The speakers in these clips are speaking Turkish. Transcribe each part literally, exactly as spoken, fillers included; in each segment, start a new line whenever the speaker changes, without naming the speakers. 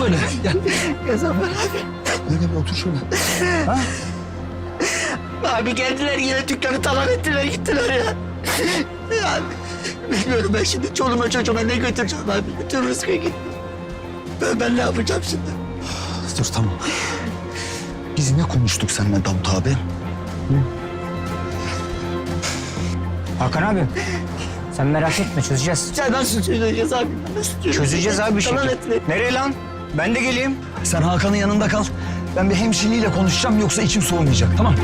böyle. Gel.
Gazanfer abi.
Gel gel otur şöyle. Ha?
Abi geldiler yine dükkanı talan ettiler gittiler ya. Ya bilmiyorum ben şimdi çoluğuma çocuğuma ne götüreceğim abi. Bütün rızkı gitti. Ben, ben ne yapacağım şimdi?
Dur tamam. Biz ne konuştuk seninle Davut abi? Hı?
Hakan abi, sen merak etme, çözeceğiz.
Ya nasıl çözeceğiz abi? Nasıl çözeceğiz?
Çözeceğiz abi bir
Talan
şekilde.
ettiler.
Nereye lan? Ben de geleyim.
Sen Hakan'ın yanında kal. Ben bir hemşireliyle konuşacağım yoksa içim soğumayacak tamam.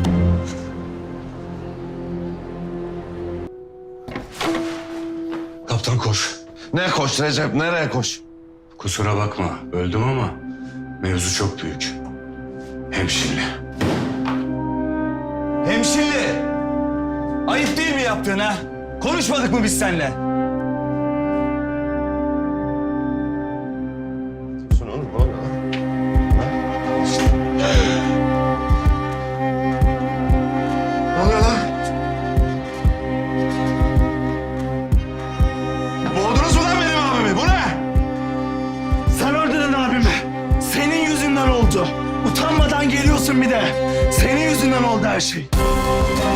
Kaptan koş.
Ne koş Recep, nereye koş?
Kusura bakma, öldüm ama mevzu çok büyük. Hemşire.
Hemşireli! Ayıp değil mi yaptığın ha? Konuşmadık mı biz seninle?
Şunu oğlum, ne oluyor lan? Ne oluyor lan? Boğdunuz mu lan benim abimi? Bu ne?
Sen öldürdün abimi. Senin yüzünden oldu. Utanmadan geliyorsun bir de. Senin yüzünden oldu her şey.